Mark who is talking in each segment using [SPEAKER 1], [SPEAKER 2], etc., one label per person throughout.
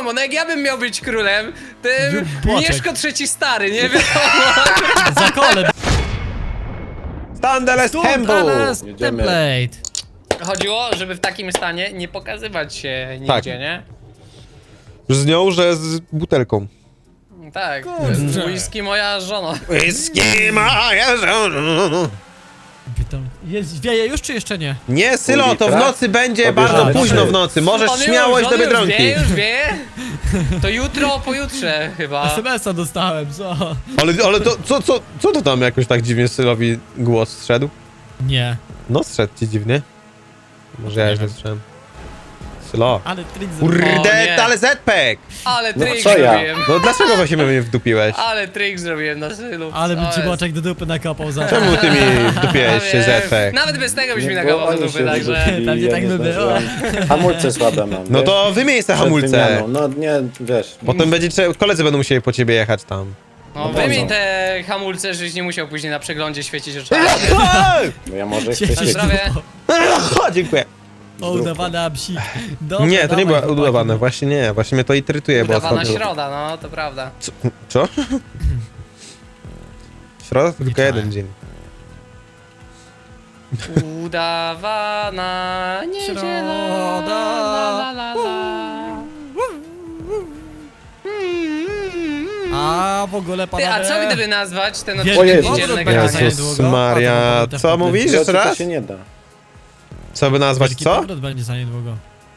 [SPEAKER 1] wiadomo, no jak ja bym miał być królem, to
[SPEAKER 2] Boczek.
[SPEAKER 1] Mieszko III stary, nie wiadomo.
[SPEAKER 2] Za kole.
[SPEAKER 3] Standard Temple!
[SPEAKER 4] Jedziemy.
[SPEAKER 2] Template.
[SPEAKER 1] Chodziło, żeby w takim stanie nie pokazywać się nigdzie,
[SPEAKER 3] Tak.
[SPEAKER 1] nie?
[SPEAKER 3] Z nią, że z butelką.
[SPEAKER 1] Tak,
[SPEAKER 2] Kurczę.
[SPEAKER 1] whisky moja żona.
[SPEAKER 3] Whisky moja żona.
[SPEAKER 2] Jest, wieje już czy jeszcze nie?
[SPEAKER 3] Nie, Sylo, to w nocy będzie
[SPEAKER 4] Pobierzemy
[SPEAKER 3] bardzo późno
[SPEAKER 4] trzy.
[SPEAKER 3] w nocy. Możesz
[SPEAKER 1] On
[SPEAKER 3] śmiało iść do
[SPEAKER 1] już
[SPEAKER 3] Biedronki.
[SPEAKER 1] wie, już wie. To jutro, pojutrze chyba.
[SPEAKER 2] SMS-a dostałem, co?
[SPEAKER 3] Ale to, co to tam jakoś tak dziwnie Sylowi głos zszedł?
[SPEAKER 2] Nie.
[SPEAKER 3] No, zszedł ci dziwnie. Może ja źle słyszałem. Sylo.
[SPEAKER 2] Ale trik
[SPEAKER 1] O,
[SPEAKER 3] Kurde,
[SPEAKER 1] nie.
[SPEAKER 3] ale Zpek!
[SPEAKER 1] Ale
[SPEAKER 4] No,
[SPEAKER 1] trik
[SPEAKER 4] co ja?
[SPEAKER 1] zrobiłem.
[SPEAKER 3] No dlaczego właśnie mnie wdupiłeś?
[SPEAKER 1] Ale trik zrobiłem na sylu.
[SPEAKER 2] Ale bym
[SPEAKER 1] Co
[SPEAKER 2] ci
[SPEAKER 1] jest?
[SPEAKER 2] boczek do dupy nakopał za to.
[SPEAKER 3] Czemu ty mi wdupiłeś się
[SPEAKER 1] Wiem.
[SPEAKER 3] Zpek?
[SPEAKER 1] Nawet bez tego byś mi
[SPEAKER 4] Nie, bo
[SPEAKER 1] nagawał do
[SPEAKER 4] oni
[SPEAKER 1] dupy,
[SPEAKER 4] się
[SPEAKER 1] także...
[SPEAKER 4] wyrzucili,
[SPEAKER 2] Pewnie
[SPEAKER 4] ja
[SPEAKER 2] tak
[SPEAKER 4] nie
[SPEAKER 2] by było.
[SPEAKER 4] zdążyłem. Hamulce słabe mam.
[SPEAKER 3] No
[SPEAKER 4] wiesz?
[SPEAKER 3] to wymień te
[SPEAKER 4] Przed
[SPEAKER 3] hamulce.
[SPEAKER 4] wymianą. No nie, wiesz.
[SPEAKER 3] Potem koledzy będą musieli po ciebie jechać tam.
[SPEAKER 1] No
[SPEAKER 4] No
[SPEAKER 1] wymień
[SPEAKER 4] po co?
[SPEAKER 1] te hamulce, żebyś nie musiał później na przeglądzie świecić oczami.
[SPEAKER 4] Bo ja może chcę
[SPEAKER 2] Cieszę
[SPEAKER 4] się...
[SPEAKER 2] się.
[SPEAKER 1] Zdrowie.
[SPEAKER 3] O, dziękuję.
[SPEAKER 2] O, udawana psik. Dobra,
[SPEAKER 3] Nie, to nie
[SPEAKER 2] dawaj,
[SPEAKER 3] było
[SPEAKER 2] chłopaki.
[SPEAKER 3] udawane, właśnie nie, właśnie mnie to irytuje, bo
[SPEAKER 1] Udawana
[SPEAKER 3] ostatnio...
[SPEAKER 1] środa, no to prawda.
[SPEAKER 3] Co? Środa to tylko
[SPEAKER 2] Wieczorem.
[SPEAKER 3] jeden dzień.
[SPEAKER 1] Udawana niedziela.
[SPEAKER 2] Środa.
[SPEAKER 1] La, la, la, la.
[SPEAKER 2] A w ogóle
[SPEAKER 1] Ty,
[SPEAKER 2] panowie...
[SPEAKER 1] a co gdyby nazwać ten
[SPEAKER 2] Wielki
[SPEAKER 1] odcinek
[SPEAKER 4] Jezu.
[SPEAKER 1] niedzielnego
[SPEAKER 2] powrót
[SPEAKER 1] grania?
[SPEAKER 2] będzie za
[SPEAKER 3] Jezus
[SPEAKER 2] niedługo.
[SPEAKER 3] Maria,
[SPEAKER 2] A to
[SPEAKER 3] co
[SPEAKER 2] potem
[SPEAKER 3] mówisz
[SPEAKER 4] Wiecie,
[SPEAKER 3] jeszcze
[SPEAKER 4] to
[SPEAKER 3] raz?
[SPEAKER 4] się nie da.
[SPEAKER 3] Co by nazwać,
[SPEAKER 2] Wielki
[SPEAKER 3] co?
[SPEAKER 2] powrót będzie za niedługo.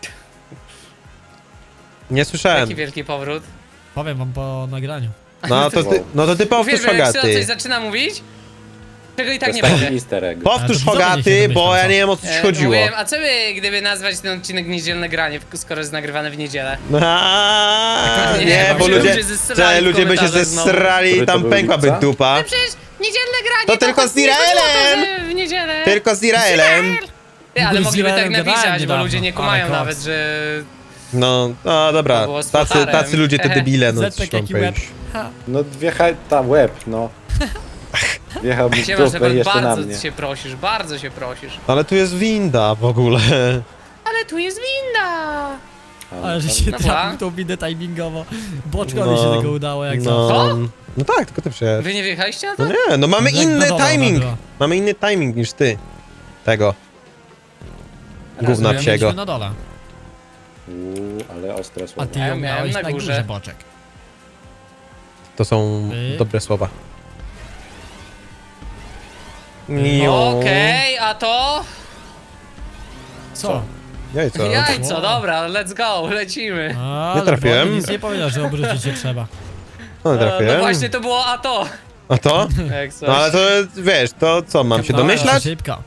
[SPEAKER 3] Nie słyszałem.
[SPEAKER 1] Jaki wielki powrót.
[SPEAKER 2] Powiem wam po nagraniu.
[SPEAKER 3] No to ty powtórz
[SPEAKER 1] Uwielbiam, jak Sylo coś
[SPEAKER 3] Hogaty.
[SPEAKER 1] zaczyna mówić, czego i
[SPEAKER 4] To
[SPEAKER 1] tak
[SPEAKER 4] jest
[SPEAKER 1] nie
[SPEAKER 4] taki
[SPEAKER 1] będzie.
[SPEAKER 4] easter egg.
[SPEAKER 3] Powtórz
[SPEAKER 2] Ale to widzowie
[SPEAKER 3] Hogaty,
[SPEAKER 2] się
[SPEAKER 3] bo
[SPEAKER 2] domyślą,
[SPEAKER 3] ja
[SPEAKER 2] co?
[SPEAKER 3] nie wiem o co ci chodziło.
[SPEAKER 1] Mówiłem, a co by, gdyby nazwać ten odcinek niedzielne granie, skoro jest nagrywany w niedzielę?
[SPEAKER 3] Aaaa,
[SPEAKER 1] Nie,
[SPEAKER 3] nie,
[SPEAKER 1] bo
[SPEAKER 3] bo
[SPEAKER 1] się
[SPEAKER 3] ludzie,
[SPEAKER 1] ludzie zesrali w
[SPEAKER 3] ludzie by się
[SPEAKER 1] komentarzach znowu.
[SPEAKER 3] zesrali i
[SPEAKER 4] Który to
[SPEAKER 3] tam
[SPEAKER 4] był
[SPEAKER 3] pękłaby
[SPEAKER 4] lipca?
[SPEAKER 3] dupa.
[SPEAKER 1] Przecież niedzielne granie
[SPEAKER 3] To tylko z
[SPEAKER 1] nie chodziło o to,
[SPEAKER 3] Izraelem!
[SPEAKER 1] że w niedzielę.
[SPEAKER 3] Tylko z Izraelem.
[SPEAKER 1] Ty, ale
[SPEAKER 2] Z
[SPEAKER 1] mogliby tak
[SPEAKER 2] Izraelem gadałem
[SPEAKER 1] napisać, bo
[SPEAKER 2] niedawno,
[SPEAKER 1] ludzie nie
[SPEAKER 2] ale
[SPEAKER 1] kumają
[SPEAKER 2] koks.
[SPEAKER 1] nawet, że...
[SPEAKER 3] No
[SPEAKER 1] To
[SPEAKER 3] dobra,
[SPEAKER 1] było z
[SPEAKER 3] tacy
[SPEAKER 1] Flotarem.
[SPEAKER 3] ludzie to debile, no
[SPEAKER 2] Zetek
[SPEAKER 3] co mam
[SPEAKER 2] jaki łeb.
[SPEAKER 3] powiedzieć.
[SPEAKER 2] Ha.
[SPEAKER 4] No ta łeb, no. Wjechałby w
[SPEAKER 1] Siema,
[SPEAKER 4] dupę
[SPEAKER 1] Shepard,
[SPEAKER 4] jeszcze na mnie.
[SPEAKER 1] bardzo się prosisz, bardzo się prosisz.
[SPEAKER 3] Ale tu jest winda w ogóle.
[SPEAKER 1] Ale tu jest winda!
[SPEAKER 2] Ale że się
[SPEAKER 1] Dobra.
[SPEAKER 2] trafił tą windę timingowo. Boczkowi
[SPEAKER 3] No,
[SPEAKER 2] się tego udało jak zawsze.
[SPEAKER 1] Co?
[SPEAKER 3] No tak, tylko ty przyjedź.
[SPEAKER 1] Wy nie wjechaliście na
[SPEAKER 3] No
[SPEAKER 1] to?
[SPEAKER 3] nie, no mamy
[SPEAKER 2] Jak
[SPEAKER 3] inny
[SPEAKER 2] zawodowa
[SPEAKER 3] timing.
[SPEAKER 2] była.
[SPEAKER 3] Mamy inny timing niż ty. Tego. Gówna
[SPEAKER 1] Rozumiem.
[SPEAKER 3] psiego.
[SPEAKER 2] Mieliśmy na dole.
[SPEAKER 4] Ale ostre
[SPEAKER 2] A
[SPEAKER 4] słowo.
[SPEAKER 2] ty
[SPEAKER 1] Ja
[SPEAKER 2] ją
[SPEAKER 1] miałem
[SPEAKER 2] miałeś
[SPEAKER 1] na
[SPEAKER 2] na
[SPEAKER 1] górze.
[SPEAKER 2] górze, Boczek.
[SPEAKER 3] To są
[SPEAKER 2] Ty?
[SPEAKER 3] dobre słowa.
[SPEAKER 1] Okej, a to?
[SPEAKER 2] Co?
[SPEAKER 3] Jajco.
[SPEAKER 1] Jajco,
[SPEAKER 2] Wow.
[SPEAKER 1] dobra, let's go, lecimy.
[SPEAKER 2] Ale
[SPEAKER 3] trafiłem.
[SPEAKER 2] Bobby nic nie powiedział, że obrócić się trzeba.
[SPEAKER 3] No
[SPEAKER 1] No
[SPEAKER 3] trafiłem.
[SPEAKER 1] właśnie to było a to.
[SPEAKER 3] A to?
[SPEAKER 1] Jak coś.
[SPEAKER 3] No ale to wiesz, to co, mam się
[SPEAKER 2] Dobra,
[SPEAKER 3] domyślać?
[SPEAKER 2] Szybko.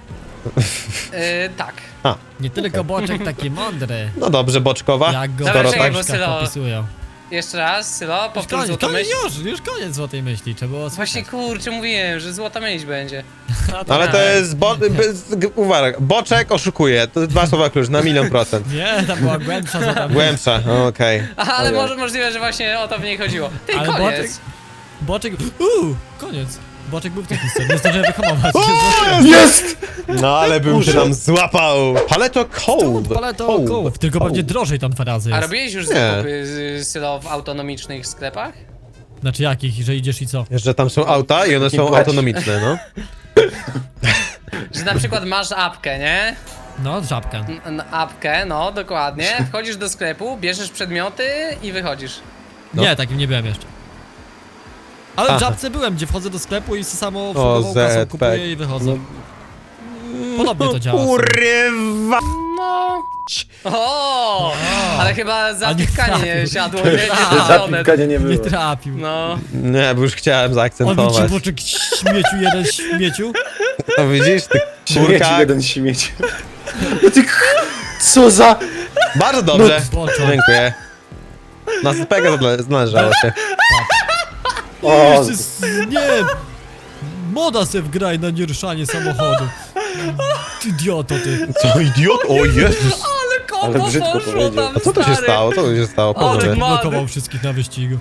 [SPEAKER 1] Tak.
[SPEAKER 2] Nie tylko Boczek taki mądry,
[SPEAKER 3] No dobrze, Boczkowa.
[SPEAKER 2] jak go
[SPEAKER 1] Dobra,
[SPEAKER 2] w
[SPEAKER 1] czekaj, bo
[SPEAKER 2] książkach
[SPEAKER 1] Sylo-
[SPEAKER 2] opisują.
[SPEAKER 1] Jeszcze raz, Sylo,
[SPEAKER 2] Już
[SPEAKER 1] powtórz
[SPEAKER 2] koniec,
[SPEAKER 1] złotą myśl.
[SPEAKER 2] już koniec złotej myśli, trzeba było
[SPEAKER 1] Właśnie
[SPEAKER 2] słuchać.
[SPEAKER 1] kurczę, mówiłem, że złota myśl będzie.
[SPEAKER 2] A
[SPEAKER 3] Ale to jest, uwaga, Boczek oszukuje, to dwa słowa klucz, na 1.000.000.
[SPEAKER 2] Nie, tam była głębsza złota myśl.
[SPEAKER 3] Głębsza, okej.
[SPEAKER 1] Aha, ale
[SPEAKER 4] Ojej.
[SPEAKER 1] możliwe, że właśnie o to w niej chodziło. Ty,
[SPEAKER 2] Ale
[SPEAKER 1] koniec.
[SPEAKER 2] Boczek... koniec. Boczek był w tej historii, nie zdążyłem wyhamować.
[SPEAKER 4] Jest!
[SPEAKER 3] No ale bym się tam złapał. Paleto cold.
[SPEAKER 2] Paleto kołów, tylko pewnie drożej tam dwa razy
[SPEAKER 1] A
[SPEAKER 2] jest.
[SPEAKER 1] robiłeś już
[SPEAKER 3] Nie.
[SPEAKER 1] zakupy Sylo w autonomicznych sklepach?
[SPEAKER 2] Znaczy jakich, że idziesz i co?
[SPEAKER 3] Że tam są auta i one są
[SPEAKER 4] płać.
[SPEAKER 3] autonomiczne, no.
[SPEAKER 1] Że na przykład masz apkę, nie?
[SPEAKER 2] No, żabka.
[SPEAKER 1] Apkę, no dokładnie. Wchodzisz do sklepu, bierzesz przedmioty i wychodzisz.
[SPEAKER 3] No.
[SPEAKER 2] Nie, takim nie byłem jeszcze. Ale
[SPEAKER 3] Aha.
[SPEAKER 2] w żabce byłem, gdzie wchodzę do sklepu i samo
[SPEAKER 3] O,
[SPEAKER 2] obsługową kasą
[SPEAKER 3] ZPek.
[SPEAKER 2] kupuję i wychodzę. Podobnie to działa.
[SPEAKER 3] Kurwa.
[SPEAKER 1] No. O, ale chyba zapiskanie nie
[SPEAKER 2] trafił.
[SPEAKER 1] siadło, nie? Nie
[SPEAKER 4] Zapiskania nie
[SPEAKER 2] Nie
[SPEAKER 4] było.
[SPEAKER 2] trafił.
[SPEAKER 1] No.
[SPEAKER 3] Nie, bo już chciałem
[SPEAKER 2] On był ci
[SPEAKER 3] zaakcentować.
[SPEAKER 2] Boczek śmieciu, jeden śmieciu.
[SPEAKER 3] No widzisz, ty
[SPEAKER 4] Śmieci
[SPEAKER 3] kurka.
[SPEAKER 4] jeden śmieć. No ty co za...
[SPEAKER 3] Bardzo dobrze.
[SPEAKER 2] Boczek.
[SPEAKER 3] Dziękuję. Na spega należało się.
[SPEAKER 4] O,
[SPEAKER 2] Jeszcze nie! Moda se wgraj na nieruszanie samochodu. Ty idioto ty.
[SPEAKER 3] Co, idiot? O Jezus.
[SPEAKER 1] Ale kombo
[SPEAKER 4] Ale brzydko
[SPEAKER 1] poszło
[SPEAKER 4] powiedział.
[SPEAKER 1] tam,
[SPEAKER 3] A co to się
[SPEAKER 1] stary.
[SPEAKER 3] stało? Co to się stało?
[SPEAKER 1] O,
[SPEAKER 2] Boczek
[SPEAKER 3] Panowie.
[SPEAKER 1] ma-
[SPEAKER 2] blokował wszystkich na wyścigu.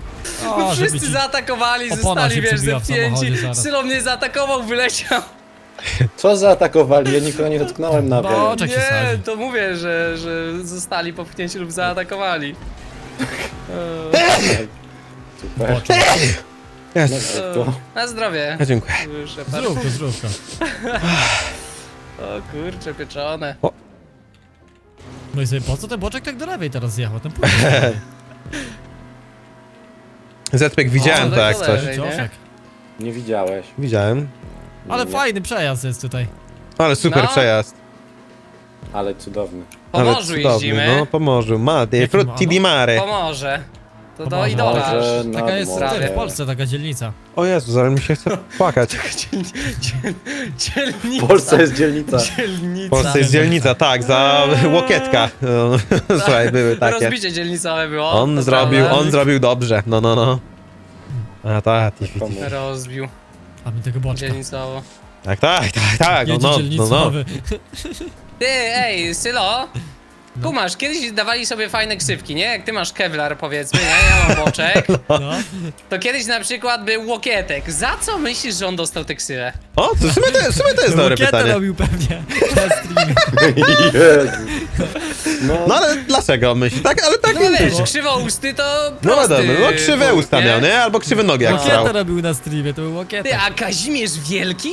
[SPEAKER 1] No
[SPEAKER 2] A, żeby
[SPEAKER 1] wszyscy
[SPEAKER 2] ci...
[SPEAKER 1] zaatakowali,
[SPEAKER 2] opona
[SPEAKER 1] zostali,
[SPEAKER 2] się
[SPEAKER 1] wiesz,
[SPEAKER 2] przebiła w
[SPEAKER 1] zepchnięci.
[SPEAKER 2] samochodzie zaraz.
[SPEAKER 1] Sylo mnie zaatakował, wyleciał.
[SPEAKER 4] Co zaatakowali? Ja nikogo nie dotknąłem nawet.
[SPEAKER 2] Boczek się
[SPEAKER 1] Nie,
[SPEAKER 2] sadzi.
[SPEAKER 1] to mówię, że zostali popchnięci lub zaatakowali.
[SPEAKER 4] Super.
[SPEAKER 2] Boczek.
[SPEAKER 3] Jest.
[SPEAKER 4] To.
[SPEAKER 1] Na zdrowie.
[SPEAKER 3] Dziękuję.
[SPEAKER 1] Shepard.
[SPEAKER 2] Zdrówko, zdrówko.
[SPEAKER 1] O kurcze, pieczone.
[SPEAKER 2] No i sobie po co ten boczek tak do lewej teraz zjechał? Ten pójdzie.
[SPEAKER 3] Zetpek widziałem
[SPEAKER 1] O,
[SPEAKER 3] to jak
[SPEAKER 1] tak
[SPEAKER 3] coś.
[SPEAKER 1] dalej.
[SPEAKER 2] Ciosiek.
[SPEAKER 4] Nie widziałeś.
[SPEAKER 3] Widziałem.
[SPEAKER 2] Ale
[SPEAKER 4] Nie.
[SPEAKER 2] fajny przejazd jest tutaj.
[SPEAKER 3] Ale super
[SPEAKER 1] No.
[SPEAKER 3] przejazd.
[SPEAKER 4] Ale cudowny.
[SPEAKER 1] Po
[SPEAKER 3] Ale
[SPEAKER 1] morzu
[SPEAKER 3] cudowny,
[SPEAKER 1] jeździmy.
[SPEAKER 3] No, po morzu. Mare,
[SPEAKER 2] Jakim
[SPEAKER 3] frutti di mare.
[SPEAKER 1] Pomorze. To do
[SPEAKER 2] Pomorze.
[SPEAKER 1] idola.
[SPEAKER 4] Może
[SPEAKER 1] aż.
[SPEAKER 4] na
[SPEAKER 2] Taka jest
[SPEAKER 4] morze.
[SPEAKER 2] w Polsce, taka dzielnica.
[SPEAKER 3] O Jezus, ale mi się chce płakać.
[SPEAKER 1] Dzielnica.
[SPEAKER 4] W Polsce jest dzielnica.
[SPEAKER 1] Dzielnica.
[SPEAKER 3] W Polsce jest dzielnica, tak, za łokietka. No, słuchaj, były takie.
[SPEAKER 1] Rozbicie dzielnicowe było.
[SPEAKER 3] On
[SPEAKER 1] to
[SPEAKER 3] zrobił dobrze. No. A tak,
[SPEAKER 4] Komu?
[SPEAKER 1] Rozbił
[SPEAKER 2] A mi tego boczka.
[SPEAKER 1] dzielnicowo.
[SPEAKER 3] tak,
[SPEAKER 2] Jedzie
[SPEAKER 3] no.
[SPEAKER 2] dzielnicowy.
[SPEAKER 1] Ty, ej, Sylo. Kumasz, kiedyś dawali sobie fajne ksywki, nie? Jak ty masz Kevlar, powiedzmy, nie? Ja mam boczek.
[SPEAKER 2] No.
[SPEAKER 1] To kiedyś na przykład był Łokietek. Za co myślisz, że on dostał tę ksywę?
[SPEAKER 3] O, to w sumie to jest dobre
[SPEAKER 2] Łukietę
[SPEAKER 3] pytanie.
[SPEAKER 2] robił pewnie na streamie.
[SPEAKER 4] Jezu.
[SPEAKER 3] No ale dlaczego myślisz? Tak, ale tak
[SPEAKER 1] No
[SPEAKER 3] nie
[SPEAKER 1] wiesz,
[SPEAKER 3] było.
[SPEAKER 1] krzywousty to
[SPEAKER 3] No
[SPEAKER 1] prosty
[SPEAKER 3] wiadomo, no krzywe
[SPEAKER 1] punkt,
[SPEAKER 3] usta miał, nie? Albo krzywe nogi jak
[SPEAKER 1] No.
[SPEAKER 3] strał.
[SPEAKER 2] Łukietę robił na streamie, to był
[SPEAKER 1] Ty,
[SPEAKER 2] Łukieta.
[SPEAKER 1] a Kazimierz Wielki?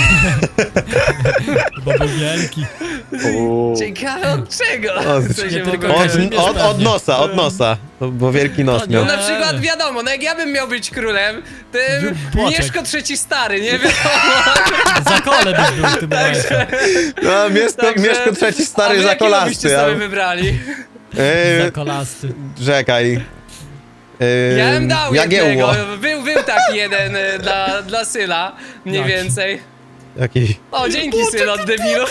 [SPEAKER 2] Bo był wielki.
[SPEAKER 4] U.
[SPEAKER 1] Ciekawe od czego?
[SPEAKER 3] O,
[SPEAKER 1] Co
[SPEAKER 2] nie
[SPEAKER 1] się
[SPEAKER 2] tylko
[SPEAKER 1] mogło
[SPEAKER 2] Kazimierz.
[SPEAKER 1] wydarzyć?
[SPEAKER 3] Od nosa, bo wielki nos
[SPEAKER 2] To
[SPEAKER 3] miał.
[SPEAKER 1] No na przykład wiadomo, no jak ja bym miał być królem, to
[SPEAKER 2] Był Boczek.
[SPEAKER 1] Mieszko III stary, nie wiadomo.
[SPEAKER 2] Za kole byś był w tym momencie.
[SPEAKER 3] No, Mieszko trzeci
[SPEAKER 1] A
[SPEAKER 3] stary
[SPEAKER 1] wy
[SPEAKER 3] za
[SPEAKER 1] jakiego byście
[SPEAKER 3] kolasty.
[SPEAKER 1] sobie wybrali?
[SPEAKER 2] Za kolasty.
[SPEAKER 3] Czekaj.
[SPEAKER 1] Ja bym dał
[SPEAKER 3] Jagiełło.
[SPEAKER 1] jednego, był taki jeden dla Syla, mniej
[SPEAKER 2] Jaki?
[SPEAKER 1] więcej.
[SPEAKER 3] Jaki?
[SPEAKER 1] O, dzięki Sylo, debilu.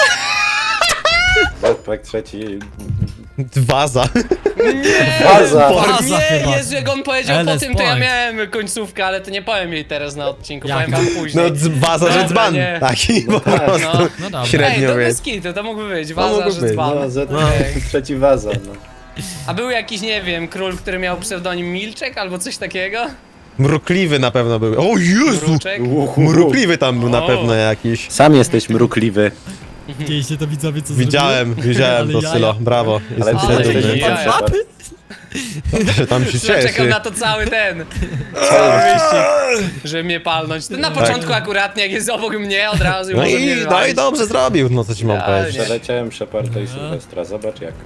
[SPEAKER 4] Zetpek trzeci.
[SPEAKER 3] Waza.
[SPEAKER 4] Baza!
[SPEAKER 2] Baza
[SPEAKER 1] Nie,
[SPEAKER 2] chyba.
[SPEAKER 1] Jezu, jak on powiedział po
[SPEAKER 2] LS
[SPEAKER 1] tym, to ja
[SPEAKER 2] Point.
[SPEAKER 1] miałem końcówkę, ale to nie powiem jej teraz na odcinku,
[SPEAKER 2] Jak?
[SPEAKER 1] powiem wam
[SPEAKER 3] No
[SPEAKER 1] później.
[SPEAKER 3] waza, że
[SPEAKER 1] Dobra,
[SPEAKER 3] dzban.
[SPEAKER 1] nie.
[SPEAKER 3] Taki po
[SPEAKER 4] tak.
[SPEAKER 3] prostu.
[SPEAKER 1] No.
[SPEAKER 2] No dobra.
[SPEAKER 1] Ej,
[SPEAKER 3] Średnio
[SPEAKER 1] to
[SPEAKER 3] wie.
[SPEAKER 1] bez kitu, to mógłby być,
[SPEAKER 3] No,
[SPEAKER 1] waza,
[SPEAKER 3] mógłby
[SPEAKER 1] że
[SPEAKER 3] być,
[SPEAKER 1] dzban.
[SPEAKER 4] No, Zetpek trzeci waza. No.
[SPEAKER 1] A był jakiś, nie wiem, król, który miał pseudonim Milczek albo coś takiego?
[SPEAKER 3] Mrukliwy na pewno był. O Jezu!
[SPEAKER 1] Mruczek?
[SPEAKER 3] Mrukliwy tam był na
[SPEAKER 1] O.
[SPEAKER 3] pewno jakiś.
[SPEAKER 4] Sam jesteś mrukliwy.
[SPEAKER 2] Widzieliście to widzowie, co
[SPEAKER 3] Widziałem
[SPEAKER 2] Ale
[SPEAKER 3] to
[SPEAKER 2] jaja.
[SPEAKER 3] Sylo, brawo.
[SPEAKER 4] Ale
[SPEAKER 3] Jestem
[SPEAKER 1] Ale
[SPEAKER 4] ty
[SPEAKER 3] dumny,
[SPEAKER 4] jesteś
[SPEAKER 1] jaja.
[SPEAKER 4] Shepard.
[SPEAKER 3] że tam się
[SPEAKER 1] Ja czekam
[SPEAKER 3] cieszy.
[SPEAKER 1] na to cały wyścig, żeby mnie palnąć. To na początku akuratnie, jak jest obok mnie, od razu
[SPEAKER 3] No
[SPEAKER 1] może mnie
[SPEAKER 3] i
[SPEAKER 1] wywalić.
[SPEAKER 3] dobrze zrobił, no co ci mam
[SPEAKER 1] Ja
[SPEAKER 3] powiedzieć.
[SPEAKER 4] Przeleciałem Sheparda i Sylwestra. Zobacz jak.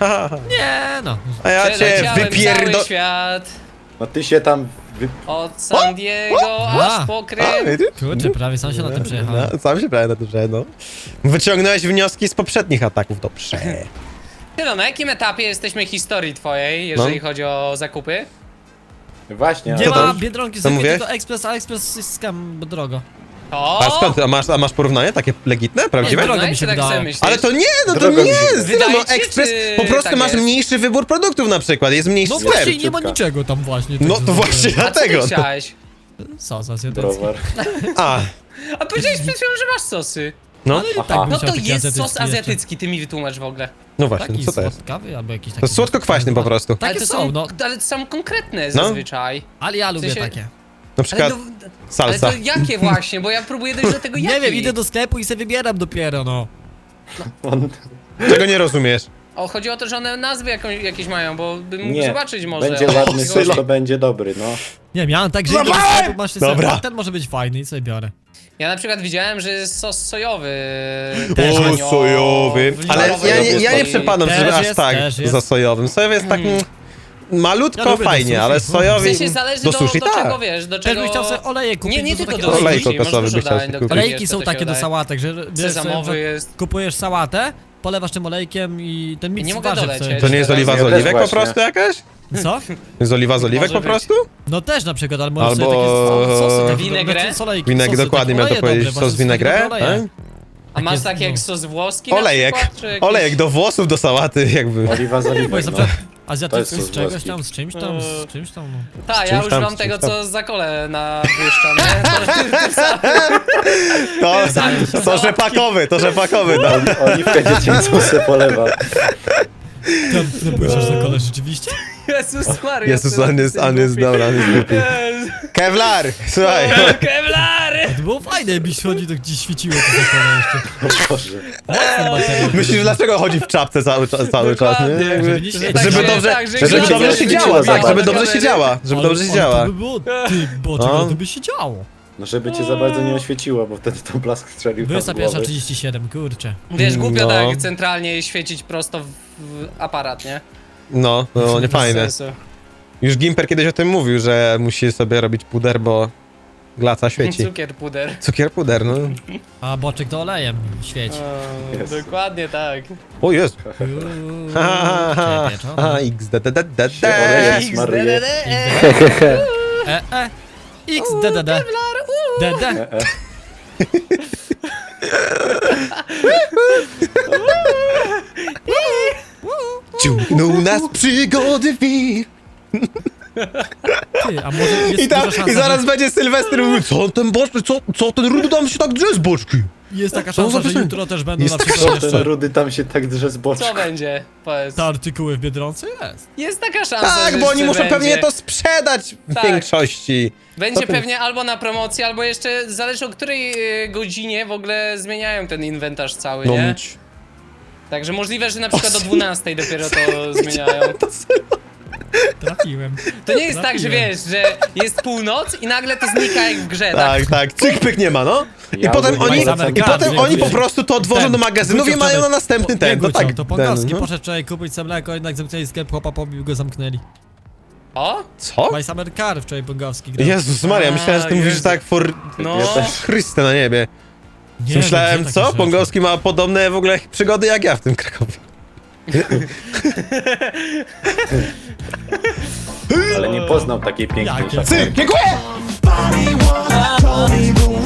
[SPEAKER 2] Nie no.
[SPEAKER 3] A ja cię
[SPEAKER 1] Przeleciałem
[SPEAKER 3] wypierdo...
[SPEAKER 1] cały świat,
[SPEAKER 4] No ty się tam...
[SPEAKER 1] od San Diego
[SPEAKER 2] A.
[SPEAKER 1] aż po Krym.
[SPEAKER 2] Kurczę, prawie sam się na tym przejechałem.
[SPEAKER 3] No, sam się prawie na tym przejechał. Wyciągnąłeś wnioski z poprzednich ataków, dobrze.
[SPEAKER 1] Tylo, na jakim etapie jesteśmy historii twojej, jeżeli chodzi o zakupy?
[SPEAKER 4] Właśnie,
[SPEAKER 2] Nie
[SPEAKER 3] Co
[SPEAKER 2] ma
[SPEAKER 3] to?
[SPEAKER 2] Biedronki,
[SPEAKER 3] Co
[SPEAKER 2] sobie
[SPEAKER 3] mówisz?
[SPEAKER 2] tylko Express, a Express jest skam, bo drogo.
[SPEAKER 1] O!
[SPEAKER 3] A skąd? A masz porównanie takie legitne, prawdziwe?
[SPEAKER 2] Nie, drogo
[SPEAKER 1] No i
[SPEAKER 2] mi
[SPEAKER 1] ty
[SPEAKER 2] się
[SPEAKER 1] tak
[SPEAKER 2] wydało.
[SPEAKER 1] sobie myślisz?
[SPEAKER 3] Ale to nie, no to
[SPEAKER 4] Drogo mi
[SPEAKER 3] nie,
[SPEAKER 4] się
[SPEAKER 3] Sylo,
[SPEAKER 1] wydaje.
[SPEAKER 3] no
[SPEAKER 1] Wydaje ci,
[SPEAKER 3] Express,
[SPEAKER 1] czy
[SPEAKER 3] po prostu
[SPEAKER 1] tak
[SPEAKER 3] masz
[SPEAKER 1] jest?
[SPEAKER 3] mniejszy wybór produktów na przykład, jest mniejszy
[SPEAKER 2] No
[SPEAKER 3] sklep.
[SPEAKER 2] właśnie, nie ma
[SPEAKER 4] szybka.
[SPEAKER 2] niczego tam właśnie.
[SPEAKER 3] No
[SPEAKER 2] także
[SPEAKER 3] to właśnie
[SPEAKER 2] zrobiłem.
[SPEAKER 1] A co ty
[SPEAKER 3] dlatego.
[SPEAKER 1] chciałeś?
[SPEAKER 2] Sos azjatycki.
[SPEAKER 4] browar.
[SPEAKER 3] A,
[SPEAKER 1] A powiedziałeś przed chwilą, że masz sosy.
[SPEAKER 3] no,
[SPEAKER 2] Ale i tak
[SPEAKER 4] Aha.
[SPEAKER 2] bym
[SPEAKER 1] No
[SPEAKER 2] chciał
[SPEAKER 1] to
[SPEAKER 2] taki
[SPEAKER 1] jest
[SPEAKER 2] azjatycki
[SPEAKER 1] sos
[SPEAKER 2] jeszcze.
[SPEAKER 1] azjatycki, ty mi wytłumacz w ogóle.
[SPEAKER 3] no właśnie,
[SPEAKER 2] Taki
[SPEAKER 3] co to jest?
[SPEAKER 2] słodkawy albo jakiś taki...
[SPEAKER 3] To jest słodko-kwaśny po prostu.
[SPEAKER 2] Takie
[SPEAKER 1] to
[SPEAKER 2] są, no.
[SPEAKER 1] Ale to są konkretne
[SPEAKER 3] No.
[SPEAKER 1] zazwyczaj.
[SPEAKER 2] Ale ja lubię
[SPEAKER 1] sensie-
[SPEAKER 2] takie.
[SPEAKER 3] Na
[SPEAKER 1] Ale,
[SPEAKER 3] przykład
[SPEAKER 1] ale
[SPEAKER 3] salsa.
[SPEAKER 1] to jakie właśnie, bo ja próbuję dojść do tego
[SPEAKER 2] Nie
[SPEAKER 1] jakie.
[SPEAKER 2] wiem, idę do sklepu i sobie wybieram dopiero, no.
[SPEAKER 4] On...
[SPEAKER 3] Czego nie rozumiesz?
[SPEAKER 1] O, chodzi o to, że one nazwy jakieś mają, bo bym mógł
[SPEAKER 4] Nie,
[SPEAKER 1] zobaczyć może.
[SPEAKER 4] będzie
[SPEAKER 1] o co
[SPEAKER 4] ładny
[SPEAKER 1] chodzi.
[SPEAKER 4] sos, to będzie dobry, no.
[SPEAKER 2] Nie, miałem tak, że idę do
[SPEAKER 3] Dawaj!
[SPEAKER 2] sklepu, masz
[SPEAKER 3] Dobra.
[SPEAKER 2] sobie, ten może być fajny i sobie biorę.
[SPEAKER 1] Ja na przykład widziałem, że jest sos sojowy.
[SPEAKER 2] Też
[SPEAKER 3] O,
[SPEAKER 1] tanio,
[SPEAKER 3] sojowy.
[SPEAKER 1] w
[SPEAKER 3] Ale
[SPEAKER 1] litowej
[SPEAKER 3] ja nie
[SPEAKER 1] wersji.
[SPEAKER 3] przepadam,
[SPEAKER 2] Też
[SPEAKER 3] żeby aż
[SPEAKER 2] jest,
[SPEAKER 3] tak
[SPEAKER 2] też jest.
[SPEAKER 3] za sojowym. Sojowy jest tak malutko
[SPEAKER 2] Ja lubię do
[SPEAKER 3] fajnie,
[SPEAKER 2] sushi.
[SPEAKER 3] ale
[SPEAKER 2] W
[SPEAKER 3] sojowy
[SPEAKER 1] W sensie zależy
[SPEAKER 3] do
[SPEAKER 1] do
[SPEAKER 3] sushi,
[SPEAKER 1] do
[SPEAKER 3] tak.
[SPEAKER 1] czego wiesz, do
[SPEAKER 2] Też
[SPEAKER 1] czego...
[SPEAKER 2] bym chciał sobie oleje kupić,
[SPEAKER 1] Nie
[SPEAKER 2] bo są
[SPEAKER 1] tylko
[SPEAKER 2] takie
[SPEAKER 1] do
[SPEAKER 3] Olej
[SPEAKER 1] sushi,
[SPEAKER 3] kokosowy
[SPEAKER 1] możesz
[SPEAKER 3] byś
[SPEAKER 1] dużo
[SPEAKER 3] chciał
[SPEAKER 1] dań, do
[SPEAKER 3] kupić.
[SPEAKER 1] których
[SPEAKER 2] Olejki
[SPEAKER 1] jest,
[SPEAKER 2] są
[SPEAKER 1] to się
[SPEAKER 2] takie do
[SPEAKER 1] wydaje.
[SPEAKER 2] sałatek, że bierzesz sobie,
[SPEAKER 1] Sezamowy jest.
[SPEAKER 2] kupujesz sałatę, polewasz tym olejkiem i ten miks
[SPEAKER 1] Nie mogę
[SPEAKER 2] warzyw
[SPEAKER 1] dolecieć.
[SPEAKER 2] sobie.
[SPEAKER 3] To nie jest oliwa z
[SPEAKER 4] Ja też
[SPEAKER 3] oliwek po
[SPEAKER 4] właśnie.
[SPEAKER 3] prostu jakaś?
[SPEAKER 2] Co?
[SPEAKER 3] Jest oliwa z oliwek
[SPEAKER 1] Może
[SPEAKER 3] po
[SPEAKER 1] być.
[SPEAKER 3] prostu?
[SPEAKER 2] No też na przykład, ale możesz
[SPEAKER 3] Albo-
[SPEAKER 2] sobie takie sosy, takie
[SPEAKER 1] Vinaigrette?
[SPEAKER 2] znaczy olejki,
[SPEAKER 3] Winek,
[SPEAKER 2] sosy,
[SPEAKER 3] dokładnie
[SPEAKER 2] takie
[SPEAKER 3] miał to
[SPEAKER 2] oleje
[SPEAKER 3] powiedzieć,
[SPEAKER 2] dobre,
[SPEAKER 3] sos
[SPEAKER 2] właśnie takie
[SPEAKER 3] vinaigrette,
[SPEAKER 2] dobre oleje.
[SPEAKER 3] tak?
[SPEAKER 1] A masz
[SPEAKER 2] jest,
[SPEAKER 1] tak
[SPEAKER 2] no.
[SPEAKER 1] jak sos włoski na
[SPEAKER 3] Olejek,
[SPEAKER 1] przykład, czy jakiś-
[SPEAKER 3] olejek do włosów, do sałaty jakby.
[SPEAKER 4] Oliwa z
[SPEAKER 2] Nie, bo
[SPEAKER 4] oliwek,
[SPEAKER 2] jest na
[SPEAKER 4] no.
[SPEAKER 2] przykład
[SPEAKER 4] To
[SPEAKER 2] azjatycki
[SPEAKER 4] jest
[SPEAKER 2] z czegoś
[SPEAKER 4] włoski.
[SPEAKER 2] tam, z czymś tam, z czymś tam, no.
[SPEAKER 1] Tak,
[SPEAKER 3] Z
[SPEAKER 1] ja
[SPEAKER 3] czymś tam,
[SPEAKER 1] używam
[SPEAKER 3] z
[SPEAKER 1] tego,
[SPEAKER 3] czymś tam.
[SPEAKER 1] co za kole nabłyszczam, nie?
[SPEAKER 3] To rzepakowy, no.
[SPEAKER 4] Oliwkę dziecięcą se polewa.
[SPEAKER 2] Tam napływasz na kole rzeczywiście?
[SPEAKER 1] Jezus Maria.
[SPEAKER 3] Jezus, on jest dobra, on jest głupi. Kevlar, słuchaj.
[SPEAKER 1] Kevlary!
[SPEAKER 2] To było fajne, jakbyś chodzi, to gdzieś świeciło to zakona jeszcze.
[SPEAKER 4] O Boże.
[SPEAKER 2] Mocny materiał.
[SPEAKER 3] Myślisz, dlaczego chodzi w czapce cały czas,
[SPEAKER 1] Dokładnie.
[SPEAKER 3] nie?
[SPEAKER 2] Żeby nie świecić.
[SPEAKER 3] Żeby
[SPEAKER 1] Tak,
[SPEAKER 3] dobrze,
[SPEAKER 1] tak, że
[SPEAKER 3] żeby
[SPEAKER 1] gra
[SPEAKER 3] dobrze
[SPEAKER 1] nie
[SPEAKER 3] się
[SPEAKER 1] świeciła
[SPEAKER 3] działa,
[SPEAKER 1] za
[SPEAKER 3] tak, żeby
[SPEAKER 1] bardzo
[SPEAKER 3] dobrze się
[SPEAKER 1] kamery.
[SPEAKER 3] działa, żeby dobrze się działa.
[SPEAKER 2] To by było, ty, Boczek,
[SPEAKER 3] No.
[SPEAKER 2] ale to by się działo.
[SPEAKER 4] No żeby cię za bardzo nie oświeciło, bo wtedy tą blask strzelił tam w
[SPEAKER 2] 21:37, kurczę.
[SPEAKER 1] Wiesz, głupio
[SPEAKER 3] No.
[SPEAKER 1] tak centralnie świecić prosto w aparat, nie?
[SPEAKER 3] No, nie
[SPEAKER 1] Bez
[SPEAKER 3] fajne.
[SPEAKER 1] sensu.
[SPEAKER 3] Już Gimper kiedyś o tym mówił, że musi sobie robić puder, bo glaca świeci.
[SPEAKER 1] Cukier puder.
[SPEAKER 3] Cukier puder, no.
[SPEAKER 2] A Boczek to olejem świeci.
[SPEAKER 4] Jest.
[SPEAKER 1] Dokładnie tak.
[SPEAKER 3] O jest.
[SPEAKER 2] Uuu,
[SPEAKER 3] Ha, ha, ha,
[SPEAKER 2] pieczone.
[SPEAKER 3] ha, XDDDD.
[SPEAKER 4] Się olejem smaruje.
[SPEAKER 2] XDDD. DD.
[SPEAKER 3] Ciągnął nas przygody wir.
[SPEAKER 2] Ty, a może jest
[SPEAKER 3] I, tam,
[SPEAKER 2] duża szansa,
[SPEAKER 3] I zaraz
[SPEAKER 2] że,
[SPEAKER 3] będzie Sylwester i mówi, co ten boczny, co ten rudy tam się tak drze z boczki?
[SPEAKER 2] jest taka
[SPEAKER 3] Co za
[SPEAKER 2] szansa, że
[SPEAKER 3] piosenka?
[SPEAKER 2] jutro też będą
[SPEAKER 3] Jest
[SPEAKER 2] na
[SPEAKER 3] taka
[SPEAKER 2] przykład
[SPEAKER 4] Ten
[SPEAKER 2] jeszcze
[SPEAKER 4] rudy tam się tak drze z boczku.
[SPEAKER 1] Co będzie? Powiedz.
[SPEAKER 2] te artykuły w Biedronce? Jest.
[SPEAKER 1] Jest taka szansa,
[SPEAKER 3] Tak,
[SPEAKER 1] że
[SPEAKER 3] bo oni
[SPEAKER 1] jeszcze
[SPEAKER 3] muszą
[SPEAKER 1] będzie.
[SPEAKER 3] pewnie to sprzedać w
[SPEAKER 1] Tak.
[SPEAKER 3] większości.
[SPEAKER 1] Będzie
[SPEAKER 3] To ten-
[SPEAKER 1] pewnie albo na promocji, albo jeszcze zależy o której godzinie w ogóle zmieniają ten inwentarz cały,
[SPEAKER 3] No
[SPEAKER 1] nie?
[SPEAKER 3] mieć.
[SPEAKER 1] Także możliwe, że na przykład o 12 dopiero to zmieniają.
[SPEAKER 2] Trafiłem.
[SPEAKER 1] To nie jest tak, że
[SPEAKER 2] Trafiłem.
[SPEAKER 1] wiesz, że jest północ i nagle to znika jak w grze, tak?
[SPEAKER 3] Tak, tak, cyk pyk nie ma, no. I
[SPEAKER 4] Ja
[SPEAKER 3] potem
[SPEAKER 4] ogólnie
[SPEAKER 3] oni,
[SPEAKER 2] mam
[SPEAKER 3] i potem
[SPEAKER 2] zamiar,
[SPEAKER 3] oni po
[SPEAKER 2] wiem.
[SPEAKER 3] prostu to odwożą
[SPEAKER 2] Ten,
[SPEAKER 3] do magazynów i
[SPEAKER 2] Gucio
[SPEAKER 3] mają na
[SPEAKER 2] wczoraj-
[SPEAKER 3] następny ten, to
[SPEAKER 2] Gucio,
[SPEAKER 3] tak.
[SPEAKER 2] to Pongowski
[SPEAKER 3] ten, no.
[SPEAKER 2] poszedł wczoraj kupić sobie mleko, jednak zamknęli sklep, chłopa pobił go, zamknęli.
[SPEAKER 1] O?
[SPEAKER 3] Co?
[SPEAKER 2] My Summer Car wczoraj Pongowski grał.
[SPEAKER 3] Jezus Maria, myślałem, że ty
[SPEAKER 1] A,
[SPEAKER 3] mówisz
[SPEAKER 1] Jezu.
[SPEAKER 3] tak for...
[SPEAKER 1] No.
[SPEAKER 4] Ja też.
[SPEAKER 3] Chryste na niebie.
[SPEAKER 2] Nie,
[SPEAKER 3] Myślałem,
[SPEAKER 2] gdzie takie
[SPEAKER 3] co?
[SPEAKER 2] rzeczy?
[SPEAKER 3] Pongowski ma podobne w ogóle przygody jak ja w tym Krakowie.
[SPEAKER 4] Ale nie poznał takiej pięknej
[SPEAKER 2] Jakie?
[SPEAKER 4] szafy.
[SPEAKER 3] Cyk, dziękuję!
[SPEAKER 5] Body wanna tell me the